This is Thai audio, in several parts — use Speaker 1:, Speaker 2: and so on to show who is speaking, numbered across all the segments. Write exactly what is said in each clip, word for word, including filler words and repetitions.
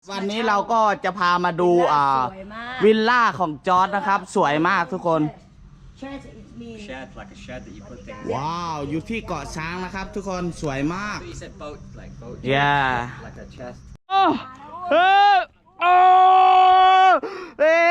Speaker 1: วันนี้เราก็จะพามาดูอ่าวิลล่าของจอร์จนะครับสวยมากทุกคนว้าวอยู่ที่เกาะช้างนะครับทุกคนสวยมาก yeah โอ้เฮ้โอ้เอ้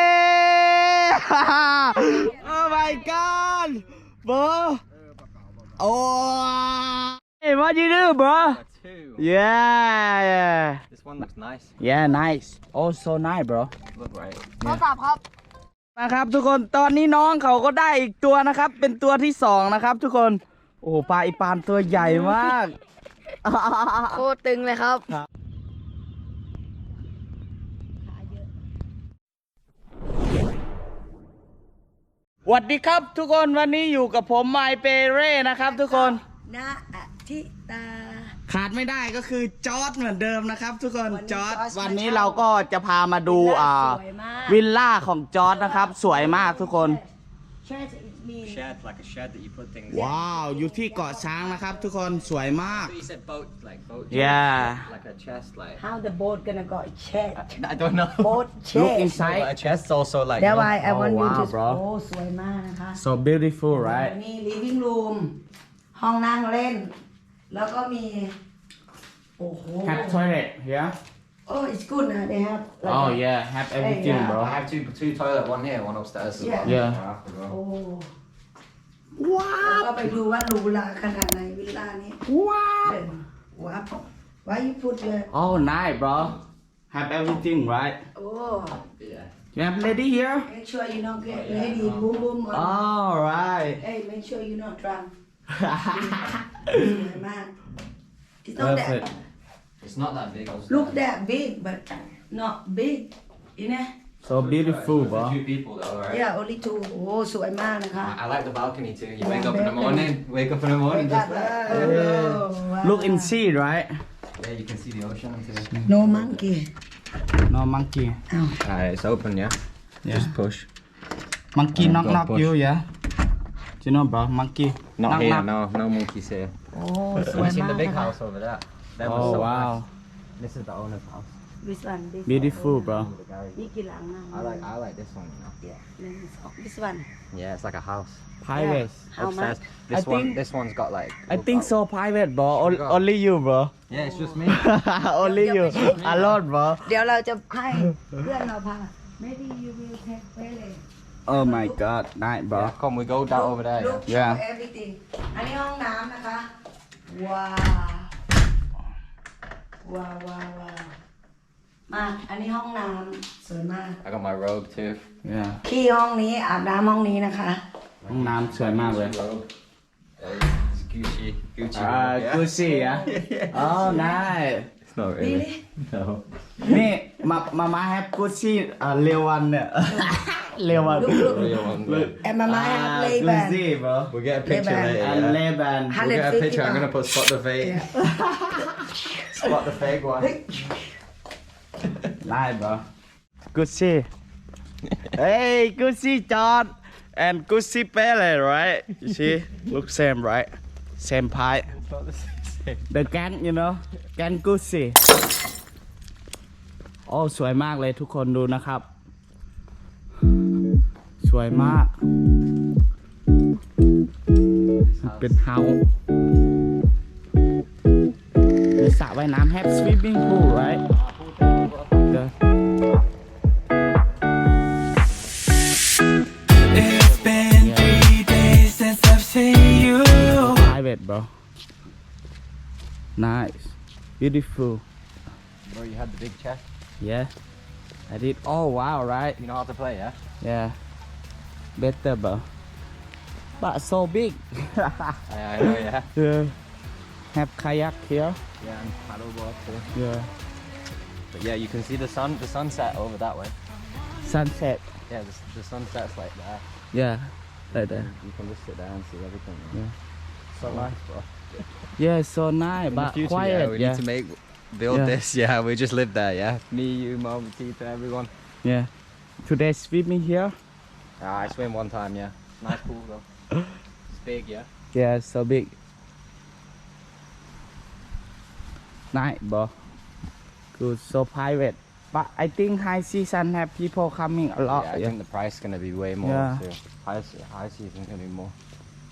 Speaker 1: โอ้ my god bro โอ้ hey what you do bro yeah yeah
Speaker 2: This one looks nice.
Speaker 1: yeah nice oh so nice bro
Speaker 2: Look right.
Speaker 3: เขาตอบครับ
Speaker 1: นะครับทุกคนตอนนี้น้องเขาก็ได้อีกตัวนะครับเป็นตัวที่สองนะครับทุกคนโอ้ปลาอีปานตัวใหญ่มาก
Speaker 3: โคตรตึงเลยครับ
Speaker 1: สวัสดีครับทุกคนวันนี้อยู่กับผมไมเปเร่นะครับทุกคน
Speaker 3: ณอาทิตา
Speaker 1: ขาดไม่ได้ก็คือจอร์จเหมือนเดิมนะครับทุกคนจอร์จ
Speaker 3: จอร์จ
Speaker 1: วันนี้เราก็จะพามาดูอ่า
Speaker 3: สวยมาก
Speaker 1: วิลล่าของจอร์จนะครับสวยมากทุกคน
Speaker 2: Shed, like a shed that you put things
Speaker 1: ว้าวอยู่ที่เกาะช้างนะครับทุกคนสวยมาก
Speaker 2: in. So you said boat, like boat.
Speaker 1: yeah
Speaker 2: Like a chest, like.
Speaker 3: How the boat gonna go shed
Speaker 2: I don't know.
Speaker 3: boat
Speaker 1: look
Speaker 3: shed
Speaker 1: inside
Speaker 2: But a chest also like.
Speaker 3: That's
Speaker 2: you know,
Speaker 3: why I
Speaker 1: Oh,
Speaker 3: want you
Speaker 1: wow,
Speaker 3: to
Speaker 1: bro.
Speaker 3: โอ้สวยมากนะคะ
Speaker 1: so beautiful right
Speaker 3: นี่ living room ห้องนั่งเล่น แล้วก็มีโอ้โห
Speaker 1: have toilet here
Speaker 3: Oh it's good นะ they have like
Speaker 1: oh
Speaker 3: a-
Speaker 1: yeah have everything
Speaker 3: yeah.
Speaker 1: bro
Speaker 2: I have two two toilet, one here, one upstairs as well.
Speaker 1: Yeah.
Speaker 2: I have to go.
Speaker 3: โอ้
Speaker 1: ว้า
Speaker 3: แล้ว วก็ไปดูว่าหรูหราขนาดไหนวิลล่านี้
Speaker 1: ว้าว
Speaker 3: เป็นว้าว Why you put your
Speaker 1: oh nice bro have everything right
Speaker 3: โอ้
Speaker 2: Yeah.
Speaker 1: you have lady here
Speaker 3: make sure you don't get lady boom boom on
Speaker 1: all right
Speaker 3: hey make sure you not drunk สวยมาก It's not that
Speaker 1: perfect
Speaker 2: It's not that big. Also.
Speaker 3: look that big but not big you know
Speaker 1: so beautiful bro
Speaker 2: For two people though, right?
Speaker 3: yeah only two โอ้สวยมากนะคะ
Speaker 2: I like the balcony too. You wake
Speaker 3: Yeah,
Speaker 2: up in the
Speaker 3: balcony.
Speaker 2: morning, wake up in the morning, just there.
Speaker 3: Oh,
Speaker 1: look in sea right
Speaker 2: Yeah, you can see the ocean too.
Speaker 3: no monkey
Speaker 1: no monkey
Speaker 3: อ้าว
Speaker 2: Alright, it's open, yeah.
Speaker 1: Yeah.
Speaker 2: Just push.
Speaker 1: monkey
Speaker 2: Oh,
Speaker 1: knock
Speaker 2: God,
Speaker 1: knock
Speaker 2: push.
Speaker 1: you yeah do you know bro monkey
Speaker 2: Not
Speaker 1: knock
Speaker 2: here,
Speaker 1: knock
Speaker 2: no, no monkeys here.
Speaker 3: โอ้สวย
Speaker 2: You seen
Speaker 3: มาก
Speaker 2: the big
Speaker 3: นะคะ
Speaker 2: house over there? That was
Speaker 1: oh
Speaker 2: so
Speaker 1: wow
Speaker 2: nice. This is the owner's house.
Speaker 3: this one this
Speaker 1: beautiful bro
Speaker 2: The garage.
Speaker 3: นี่กี่หลังนะ
Speaker 2: I like I like this one, you know.
Speaker 3: yeah this one
Speaker 2: Yeah, it's like a house.
Speaker 1: private
Speaker 3: how
Speaker 2: Upstairs.
Speaker 3: much
Speaker 2: This
Speaker 1: I
Speaker 2: one,
Speaker 1: think-
Speaker 2: this one's got like.
Speaker 1: I think so private bro O-
Speaker 2: Go.
Speaker 1: only you bro
Speaker 2: Yeah, it's just me.
Speaker 1: only you alone bro
Speaker 3: เดี๋ยวเราจะให้เพื่อนเราพา maybe you will take Pele
Speaker 1: oh my god nice bro
Speaker 2: Yeah, come, we go down over there.
Speaker 3: Look
Speaker 2: Yeah.
Speaker 1: Yeah.
Speaker 3: for everything อันนี้ห้องน้ำนะคะ ว้าว ว้าวว้าวว้าวมาอันนี้ห้องน้ำสวยมาก
Speaker 2: I got my robe too.
Speaker 1: yeah
Speaker 3: ขี้ห้องนี้อาบน้ำห้องนี้นะคะ
Speaker 1: ห้องน้ำสวยมากเลย
Speaker 2: Robe. Uh, It's Gucci. Gucci.
Speaker 1: อ่า
Speaker 2: robe, yeah.
Speaker 1: กูซี่อ่ะ oh nice
Speaker 2: It's not really.
Speaker 3: Really?
Speaker 2: No.
Speaker 1: นี่มามามาแฮปกูซี่อ่าเรวันเนี่ย เรวัน
Speaker 3: Look, look.
Speaker 2: Real one. Yeah.
Speaker 3: แอมมามาแอปเล
Speaker 1: กู
Speaker 3: แบน
Speaker 1: ซี่ bro
Speaker 2: We'll get a picture
Speaker 3: Leban.
Speaker 2: later.
Speaker 1: อัน
Speaker 2: Yeah.
Speaker 1: เลแบน
Speaker 3: Hundred
Speaker 2: We'll get a
Speaker 3: fifty
Speaker 2: picture. I'm gonna put spot the fake. Spot the fake one.
Speaker 1: ได้ bro กูซี่ hey กูซี่จอร์ด and กูซี่เป้เลย right you see look same right same pie
Speaker 2: Not the same.
Speaker 1: the gang you know gang กูซี่โอ้สวยมากเลยทุกคนดูนะครับ สวยมากเป็นเฮาส์มีสระว่ายน้ำ have swimming pool right the
Speaker 4: It's been three days since I've seen you.
Speaker 1: private bro nice beautiful
Speaker 2: Bro, you had the big chest.
Speaker 1: yeah I did oh wow right
Speaker 2: You know how to play, yeah?
Speaker 1: yeah better bro but so big
Speaker 2: I, I know, yeah.
Speaker 1: yeah. have kayak here
Speaker 2: Yeah, and paddleboard too.
Speaker 1: yeah
Speaker 2: But yeah, you can see the sun, the sunset over that way.
Speaker 1: sunset
Speaker 2: Yeah, the, the sunset's like there.
Speaker 1: yeah like that
Speaker 2: You can just sit there and see everything.
Speaker 1: Yeah.
Speaker 2: So nice, bro.
Speaker 1: yeah so nice
Speaker 2: In
Speaker 1: but
Speaker 2: the future,
Speaker 1: quiet
Speaker 2: yeah, we
Speaker 1: yeah
Speaker 2: need to make build
Speaker 1: Yeah.
Speaker 2: this. Yeah, we just live there. Yeah, me, you, mom, Tita, everyone.
Speaker 1: yeah today swimming here
Speaker 2: Ah, I swim one time. Yeah, nice pool though. It's big, yeah.
Speaker 1: yeah so big nice bro good so private but I think high season have people coming a lot.
Speaker 2: Yeah, I
Speaker 1: Yeah.
Speaker 2: think the price is gonna be way more
Speaker 1: Yeah.
Speaker 2: too. High, se- high season gonna be more.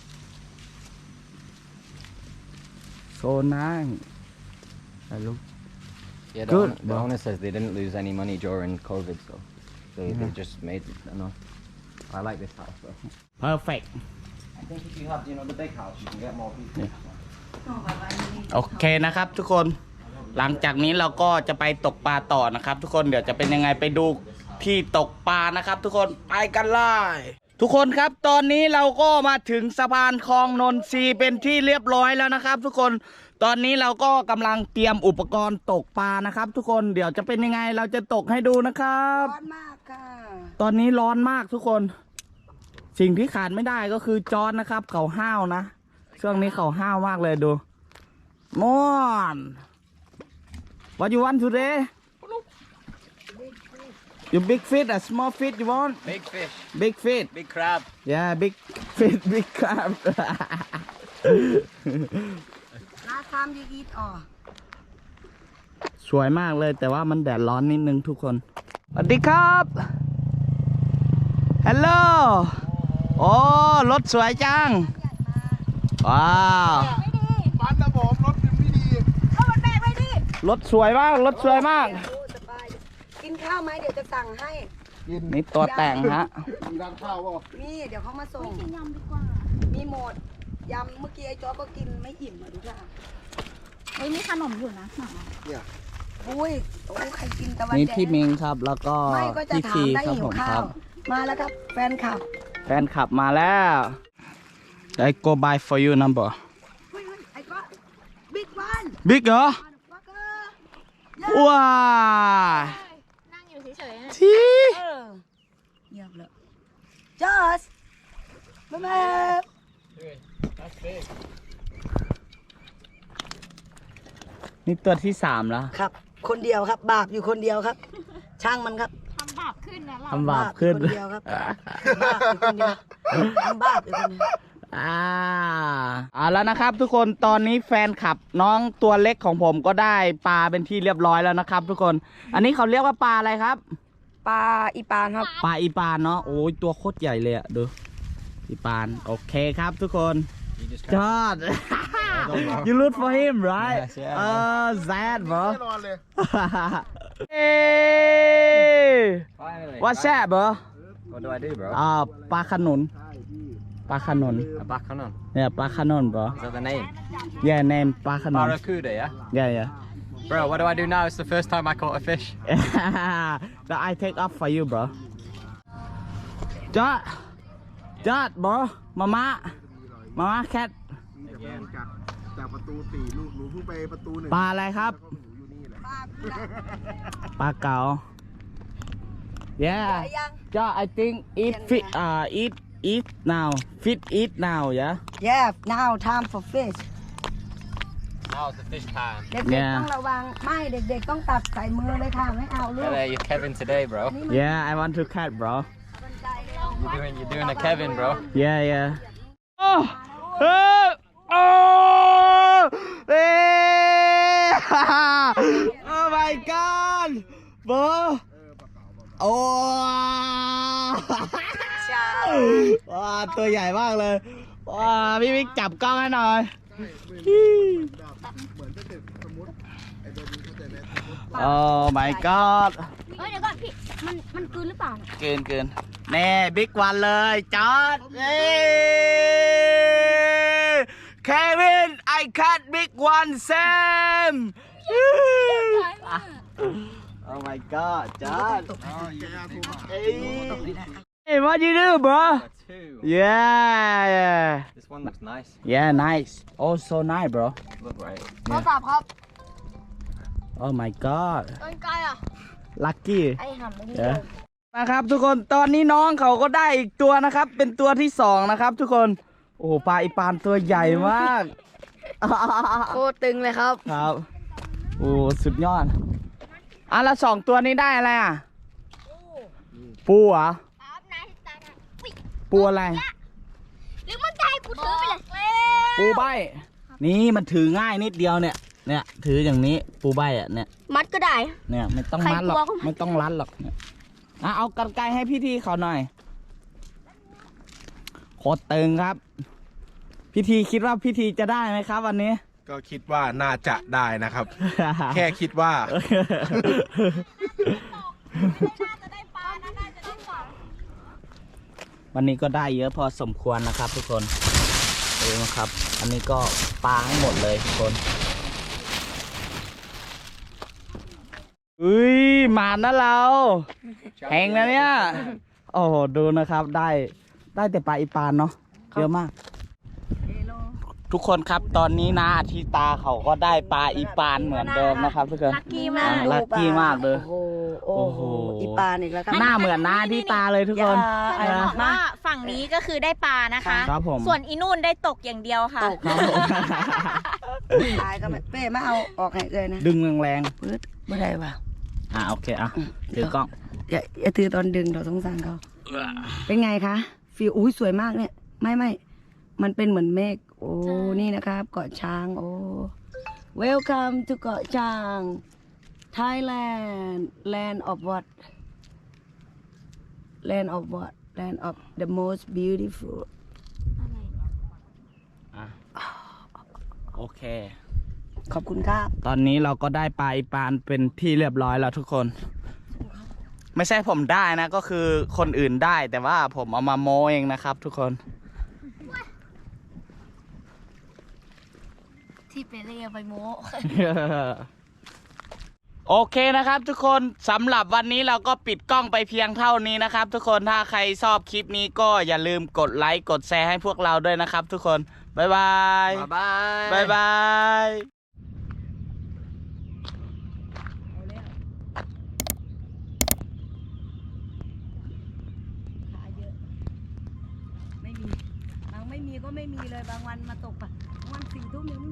Speaker 1: So nice. I look.
Speaker 2: Yeah, the,
Speaker 1: Good,
Speaker 2: own- the
Speaker 1: bro.
Speaker 2: owner says they didn't lose any money during COVID, so they, they just made enough. I like this house though.
Speaker 1: Perfect.
Speaker 2: I think if you have, you know, the big house, you can get more people.
Speaker 1: โอเคนะครับทุกคน หลังจากนี้เราก็จะไปตกปลาต่อนะครับ ทุกคนเดี๋ยวจะเป็นยังไงไปดูที่ตกปลานะครับ ทุกคนไปกันเลยทุกคนครับตอนนี้เราก็มาถึงสะพานคลองนนทรีเป็นที่เรียบร้อยแล้วนะครับ ทุกคนตอนนี้เราก็กำลังเตรียมอุปกรณ์ตกปลานะครับ ทุกคนเดี๋ยวจะเป็นยังไงเราจะตกให้ดูนะครับ
Speaker 3: ร้อนมากค่ะ
Speaker 1: ตอนนี้ร้อนมากทุกคน สิ่งที่ขาดไม่ได้ก็คือจอนนะครับ เขาห้าวนะช่วงนี้เขาห้าวมากเลยดูมอน What you want today You big fish or small fish you want
Speaker 2: Big fish,
Speaker 1: Big fish
Speaker 2: big crab.
Speaker 1: Yeah big fish big crab
Speaker 3: last time you eat อ๋อ
Speaker 1: สวยมากเลยแต่ว่ามันแดดร้อนนิดนึงทุกคนสวัสดีครับฮัลโหลโอ้รถสวยจังว้าวรถสวยมากรถสวยมาก
Speaker 3: โอ้สบายกินข้าวไหมเดี๋ยวจะสั่งให้
Speaker 1: นี่ตัวแต่งฮะ
Speaker 3: มีเดี๋ยวเขามาส่งกินยำดีกว่ามีหมดยำเมื่อกี้ไอ้จอก็กินไม่อิ่มอ่ะดูค่ะ
Speaker 5: เฮ้ยมีขนมอยู่นะหนัง
Speaker 3: อุ้ยโอ้ใครกินตะวัน
Speaker 1: นี่
Speaker 3: แดง
Speaker 1: พี่มิงครับแล้วก็
Speaker 3: ไม่ก็จะ
Speaker 1: พี่
Speaker 3: ถา
Speaker 1: พี
Speaker 3: มได้
Speaker 1: ครับ
Speaker 3: หิ
Speaker 1: ผ
Speaker 3: ว
Speaker 1: ม
Speaker 3: ข้า
Speaker 1: ครั
Speaker 3: ว
Speaker 1: บ
Speaker 3: มาแล้วครับแฟนคลับ
Speaker 1: แฟนขับมาแล้ว I go buy for you number
Speaker 3: เฮ้ยไอ้ก็บิ๊กวัน
Speaker 1: big เหรอ
Speaker 3: ฟักเกอร์
Speaker 1: ว้า
Speaker 5: นั่งอยู่เฉยๆนะ
Speaker 1: ที่
Speaker 3: เออเงียบเลยจอสบ๊ายบาย
Speaker 1: นี่ตัวที่สามแล้ว
Speaker 3: ครับ คนเดียวครับ บาปอยู่คนเดียวครับ ช่างมันครับ
Speaker 5: ทำบาปขึ้นนะเรา
Speaker 1: ทำบาปขึ้น
Speaker 3: คนเดียวครับ บาปอยู่คนเดียวทำบาปอยู่คนเดียว
Speaker 1: อ่าเอาแล้วนะครับ ทุกคนตอนนี้แฟนคลับน้องตัวเล็กของผมก็ได้ปลาเป็นที่เรียบร้อยแล้วนะครับ ทุกคน อันนี้เขาเรียกว่าปลาอะไรครับ
Speaker 3: ปลาอีปานครับ
Speaker 1: ปลาอีปานเนาะโอ้ยตัวโคตรใหญ่เลยอะดูอีปานโอเคครับทุกคน
Speaker 2: You just
Speaker 1: จอด you look for him right
Speaker 2: Yes, yeah,
Speaker 1: เออ sad bro hey
Speaker 2: Finally.
Speaker 1: what's that bro
Speaker 2: What do I do, bro?
Speaker 1: อ่าปลาขนุนปลาขนุน
Speaker 2: A back on on.
Speaker 1: เนี่ยปลาขนุน bro
Speaker 2: Is that the name?
Speaker 1: yeah name ปลาขนุน
Speaker 2: Barracuda, yeah?
Speaker 1: yeah yeah
Speaker 2: Bro, what do I do now? It's the first time I caught a fish.
Speaker 1: that I take off for you bro จอดจอด bro มาม่ามาม่าแคท
Speaker 6: จากจากประตูสี่ลูกหนูเพิ่งไปประตูหนึ่ง
Speaker 1: ปลาอะไรครับ
Speaker 6: หนูอยู่นี่แหละ
Speaker 1: ปลาเก๋า yeah
Speaker 3: ยัง
Speaker 1: จอด I think eat fit อ่า eat eat now fit eat now yeah
Speaker 3: yeah now time for fish
Speaker 2: Now's the fish time.
Speaker 3: เด็ก
Speaker 1: Yeah.
Speaker 3: ๆต้องระวังไม่เด็กๆต้องตักใส่มือเลยค่ะไม่เอาลูก
Speaker 2: Hello, you're Kevin today, bro.
Speaker 1: yeah I want to catch bro
Speaker 2: You're doing, you're doing a Kevin, bro.
Speaker 1: yeah yeah oh oh oh hey oh my god bro โอ้ว้าตัวใหญ่มากเลยว้าพี่มิกจับกล้องให้หน่อย
Speaker 6: เหมือนถ้าเกิดสมมติไอ้เบนเข้าใจไหมสมมติ
Speaker 1: โอ้ my god
Speaker 5: เฮ้ยเดี๋ยวก่อนพี่ มันมันกลืนหรือเปล่าเนี่ย
Speaker 1: เกินเกินแน่บิ๊กวันเลยจอดเอ้เควิน I cut big one Sam oh my god จอดเอ้ย Hey what you do bro
Speaker 2: Two.
Speaker 1: yeah yeah
Speaker 2: This one looks nice.
Speaker 1: yeah nice oh so nice bro
Speaker 2: Look right.
Speaker 5: โทรศัพท์ครับ
Speaker 1: oh my god
Speaker 5: ต้นไกลอ่ะ
Speaker 1: lucky
Speaker 5: ไอ้หำไม่ดี
Speaker 1: yeah นะครับทุกคนตอนนี้น้องเขาก็ได้อีกตัวนะครับ เป็นตัวที่สองนะครับ ทุกคนโอ้ปลาอีปานตัวใหญ่มาก
Speaker 5: โคตรตึงเลยครับ
Speaker 1: ครับโอ้สุดยอดอ่ะแล้วสองตัวนี้ได้อะไรอ่ะปูเหรอ
Speaker 5: ครับนายตาดอุ๊ย
Speaker 1: ปูอะไร
Speaker 5: หรือมันจะให้กูถือไปเลย
Speaker 1: ปูใบนี่มันถือง่ายนิดเดียวเนี่ยเนี่ยถืออย่างนี้ปูใบอ่ะเนี่ย
Speaker 5: มัดก็ได้
Speaker 1: เนี่ยไม่ต้องมัดหรอก
Speaker 5: ใครกลัวก็
Speaker 1: ไม่ต้องรัดหรอกเนี่ยอ่ะเอากรรไกรให้พี่ทีเขาหน่อยโคตรตึงครับ พิธีคิดว่าพิธีจะได้ไหมครับวันนี้
Speaker 6: ก็คิดว่าน่าจะได้นะครับ แค่คิดว่า
Speaker 1: วันนี้ก็ได้เยอะพอสมควรนะครับทุกคนดูนะครับ อันนี้ก็ปลาให้หมดเลยทุกคนอุ้ยหมานะเราแหงนะเนี่ยโอ้โหดูนะครับได้ได้แต่ปลาอีปานเนาะเยอะมาก ทุกคนครับตอนนี้นะอาทิตาเขาก็ได้ปลาอีปานเหมือนเดิมนะครับทุกคน
Speaker 5: ลักกี้มาก
Speaker 1: ลักกี้มากเลย
Speaker 3: โอ้โหโอ้โหอีปานอีกแล้วครับ
Speaker 1: หน้าเหมือนน้าอาทิตาเลยทุกคน
Speaker 3: อย่า
Speaker 7: จะบอกว่าฝั่งนี้ก็คือได้ปลานะคะ
Speaker 1: ครับผม
Speaker 7: ส่วนอีนู่นได้ตกอย่างเดียวค่ะ
Speaker 3: ตกครับผมตายก็ไม่เป้มาเอาออกให้เลยนะ
Speaker 1: ดึงแรง
Speaker 3: ปื๊ดไม่ได้ว่ะ
Speaker 1: ๆอ่ะโอเคอ่ะถือกล้อง
Speaker 3: อย่าอย่าถือตอนดึงเราสงสารเขาเป็นไงคะฟิลอุ้ยสวยมากเนี่ยไม่ไม่มันเป็นเหมือนเมฆโอ้นี่นะครับเกาะช้างโอ้ Welcome to เกาะช้าง Thailand land of what land of what land of the most beautiful
Speaker 1: อ่ะโอเค
Speaker 3: ขอบคุณครับ
Speaker 1: ตอนนี้เราก็ได้ปลาอีปานเป็นที่เรียบร้อยแล้วทุกคน ไม่ใช่ผมได้นะก็คือคนอื่นได้แต่ว่าผมเอามาโมเองนะครับ ทุกคน
Speaker 5: ที่เปเล่เอาไปโม้
Speaker 1: โอเคนะครับทุกคนสำหรับวันนี้เราก็ปิดกล้องไปเพียงเท่านี้นะครับ ทุกคนถ้าใครชอบคลิปนี้ก็อย่าลืมกดไลค์กดแชร์ให้พวกเราด้วยนะครับ ทุกคนบ๊ายบาย
Speaker 2: Bye bye.
Speaker 1: บ๊ายบาย
Speaker 3: ขาเยอะ ไม่มีบางไม่มีก็ไม่มีเลยบางวันมาตกปะบางวันสี่ทุ่มยังไม่